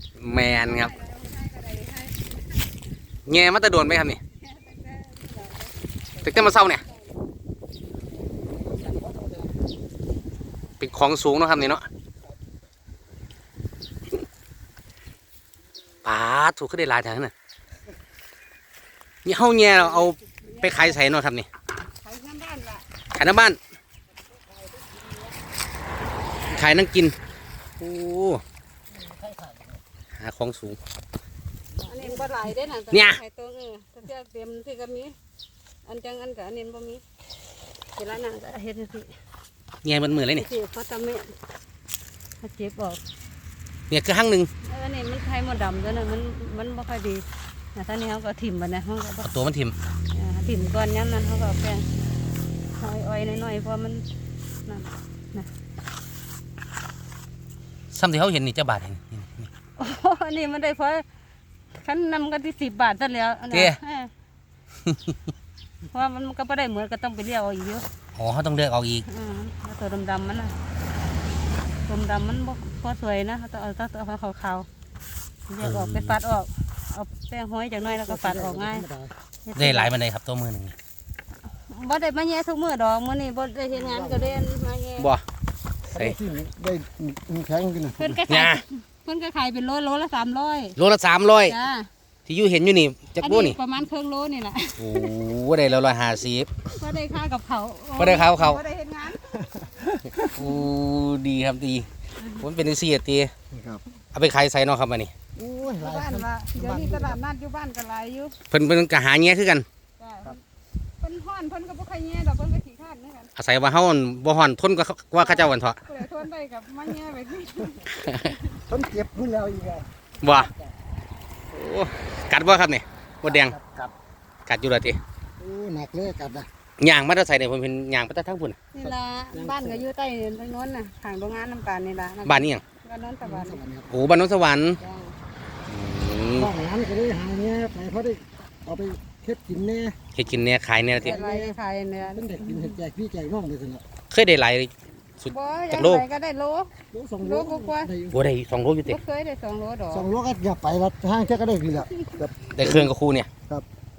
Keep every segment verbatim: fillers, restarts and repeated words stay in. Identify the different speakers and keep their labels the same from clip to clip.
Speaker 1: แมนครับแง่มาตะโดนไหมครับนี่ตึกเต้นมาเศร้าเนี่ยเป็นของสูงเนาะครับนี่เนาะป้าถูกขึ้นได้หลายแถวน่ะนี่เฮาแง่เราเอาไปขายใส่เนาะครับนี่ขายน้ำบ้านละขายน้ำบ้านขายนั่งกินโอ้หาของสูง
Speaker 2: อันนี้บ่หลายเด้น่ะ
Speaker 1: เนี่ย
Speaker 2: ไข่ตัวเออถ้าจะเตรียมที่ก็มีอันจังอันกับอันนี้บ่มีเวลานั่งก็เฮ็ดจังซี่
Speaker 1: เนี่ยมันมือเลยนี่
Speaker 2: สิเขาทำแม่เขาเจ็บออก
Speaker 1: เนี่ยคือห้างหนึ่ง
Speaker 2: เออนี่มันไข่มดดำตัวนั้นมันมันบ่ค่อยดีนะท่านี้เขาก็ถิ่มบัดนะเขาก็
Speaker 1: ตัวมันถิ่ม
Speaker 2: ถิ่มก่อนย้ำนั้นเขาก็แป้งอ้อยๆน้อยๆเพราะมันนั่นนะ
Speaker 1: ซ้ำที่เขาเห็นนี่เจ้าบาทเห็น
Speaker 2: โอ้นี่มันได้เพราะฉันนำกันที่สิบบาทซะแล้ว
Speaker 1: เตี้ย
Speaker 2: เพราะมันก็ไม่ได้เหมือนก็ต้องไปเลี้ยวอีกเยอะ
Speaker 1: อ๋อเขาต้องเลือกเอาอีก
Speaker 2: อืมแล้วตัวดำๆมันนะตัวดำมันพอสวยนะเขาต้องเอาตัวขาวๆแยกออกไปฟัดออกเอาแป้งห้อยจากน้อยแล้วก็ฟัดออกง่าย
Speaker 1: ได้หลายมันเลยครับตัวมือหนึ่ง
Speaker 2: บ่ได้มาแย่ทุกมือดอกมื้อนี้บ่ได้เฮ็ดงานก็ได้มาแย่
Speaker 1: บ่
Speaker 3: ใส่ได้แข็งกิน
Speaker 2: เพิ่นก็ขายเพิ่นก็ขายเป็นโลโลละสามร้อย
Speaker 1: โลละสามร้อยที่อยู่เห็นอยู่นี่จักโลนี่
Speaker 2: ประมาณครึ่งโลนี่แหละ
Speaker 1: โอ้ได้แล้วร้อยห้าสิบ
Speaker 2: ก็ได้ค่ากับเขา
Speaker 1: ก็ได้ข้าวเขา
Speaker 2: ก็ได้เฮ็ดงาน
Speaker 1: โอ้ดีครับดีผมเป็นซีเอตีเอาไปขายใส่เนาะครับอันนี้
Speaker 2: โอ้ยหลายบ้านละเดี๋ยวนี้ตลาดนัดอยู่บ้านก็หลายอยู่
Speaker 1: เพิ่นเพิ่นก็หาแง่คือกัน
Speaker 2: เพิ่นฮ้อนเพิ่นก็บ่ค่อยแง่ดอกเพิ่นก็ขี้คร้านเหมือนกัน
Speaker 1: อาศัยว่าเฮาบ่ฮ้อนทนก็ว่าเขาเจ้าวันเถาะ
Speaker 2: ทนได้กับมาแง่ไปที่
Speaker 3: ทนเจ็บพุ่นแล้วอีกอ่ะ
Speaker 1: บ่โอ้กัดบ่ครับนี่บ่แดง
Speaker 3: กัด
Speaker 1: กัดอยู่ล่ะติ
Speaker 3: โอ้หนักเลยกัดนะ
Speaker 1: ย่างมาแต่ใส่เนี่ยผมเป็นย่างมาแต่ทั้งพุ่น
Speaker 2: นี่ล่ะบ้านก็อยู่ใต้ตรงโน้นน่ะข้างโรงงานน้ำตาลนี่ล่ะ
Speaker 1: บ้านนี้หยัง
Speaker 2: บ้านโน้นสวรรค์
Speaker 1: โอ้บ้านโน้นสวรรค์
Speaker 3: บ้านนั้นก็ได้หาเงี้ยไปเขาได้เอาไปเฮ็ดกินแน่
Speaker 1: เฮ็ดกินแน่ขายแน่ติ
Speaker 2: ขายแน่
Speaker 3: เป็นเด็กกินเฮ็ดแจกพี่แจกน้องเลยสินะ
Speaker 1: เคยได้หลายสุดจากโล
Speaker 2: ก็ได้โล
Speaker 3: โลสองโล
Speaker 2: กว่า
Speaker 1: บ่ได้สองโลอยู่ติ
Speaker 2: เคยได้สองโลดอก
Speaker 3: สองโลก็อย่าไปละห้างแค่ก็ได้ดีละ
Speaker 1: ได้เครื่องกับครูเนี่ย
Speaker 3: ครับ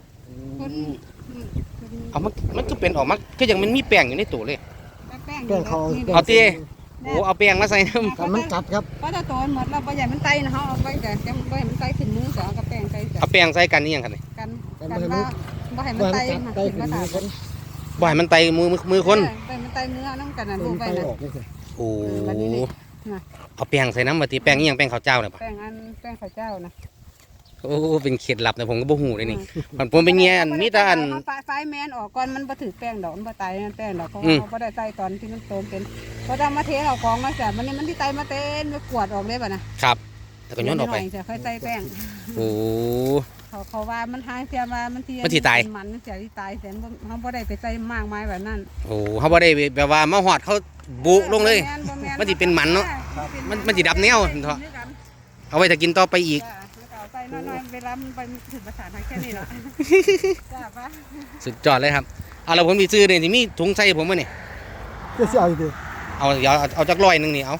Speaker 1: เอามันมันก็เป็นออกมาคือยังมันมีแป้งอยู่ในตู้เลย
Speaker 2: แป้ง
Speaker 3: เขา
Speaker 1: เอาตีโอ้เอาแป้งมาใส่น้
Speaker 3: ำมันกัดครับ
Speaker 2: เพราะถ้าตัวหมดเราไปใหญ่มันไตนะเขาเอาไปแต่ยังไม่มันไตขึ้นมือสองกับแป้งไต
Speaker 1: เอาแป้งใส่กันนี่ยังครับนี่
Speaker 2: กันกันว่าบ่ให้มันไตมาขึ้นมาถาม
Speaker 1: บ่ให้มันไตมือมือคน
Speaker 2: ไตมันไตมือน้ำกันนะดูไปนะ
Speaker 1: โอ้เอาแป้งใส่น้ำมาตีแป้งนี่ยังแป้งข้าวเจ้าเนี่ยป่ะ
Speaker 2: แป้งอันแป้งข้าวเจ้านะ
Speaker 1: โอ้เป็นเคล็ดลับนะผมก็บ่หูเลยนี่มันผมเป็นเงี้ยมีแต่อัน
Speaker 2: ไฟแมนออกก่อนมันบ่ถือแป้งดอกมันบ่ไตแป้งดอกเพราะเขาบ่ได้ไตตอนที่มันโตเป็นพอทำมาเทเอากองมาจ้ะมันนี่มันที่ไตมาเต้นมากวดออกได้ป่ะนะครับ
Speaker 1: แต่ก็ย้อนออกไป
Speaker 2: จะค่อยไตแป้ง
Speaker 1: โอ้
Speaker 2: เขาเขาว่ามันทางเสียมามันที่
Speaker 1: มันที่ตาย
Speaker 2: มันเสียที่ตายเสียเขาบ่ได้ไปใส่มากมายแบบนั้น
Speaker 1: โอ้เขาบ่ได้แบบว่ามาหอดเขาบุลงเลยมันจะเป็นมันเนาะมันมันจะดับแนวเถอะเอาไว้ถ้ากินต่อไปอีก
Speaker 2: ไปน้อยๆเวลามันไปถึงภาษาไทยแค่นี้ละจ้าปะ
Speaker 1: สุดยอดเลยครับเอาเราผมมีซื้อเนี่ยที่มีถุงใส่ผมมาเนี่ย
Speaker 3: จะเสียอีกดิ
Speaker 1: เอาเดี๋ยวเอาจากร้อยหนึ่งนี่เอา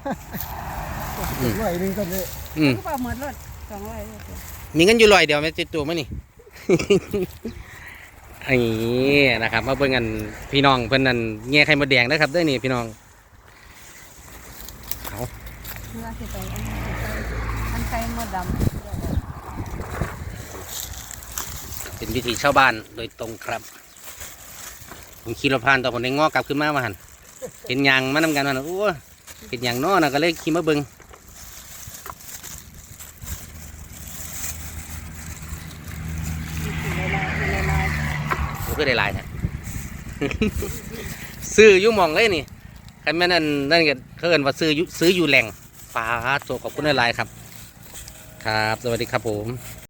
Speaker 3: ร้อยหนึ่งก็ได้
Speaker 1: อืม
Speaker 2: ก็เหมือนรถสองร้อย
Speaker 1: มีเงินอยู่ร้อยเดียวไม่ติดตัวมั้ยนี่อันนี้นะครับมาเบิ่งกันพี่น้องเพิ่นนั่นแง่ไข่มดแดงนะครับด้วยนี่พี่น้องเอา
Speaker 2: อันไข่มดดำ
Speaker 1: เป็นวิถีชาวบ้านโดยตรงครับผมขี่รถผ่านต่อผมได้งอกลับขึ้นมามาหันเห็นยางมานำกันมันโอ้เห็นยางน้อนะก็เลยขี่มาเบิ้งโอ้ก็ได้ลายนะซื้อยุ่มองเลยนี่ใครแม่นั่นนั่นก็เขาเอิ้นว่าซื้อซื้ออยู่แหล่งฟ้าโซขอบคุณหลายครับครับสวัสดีครับผม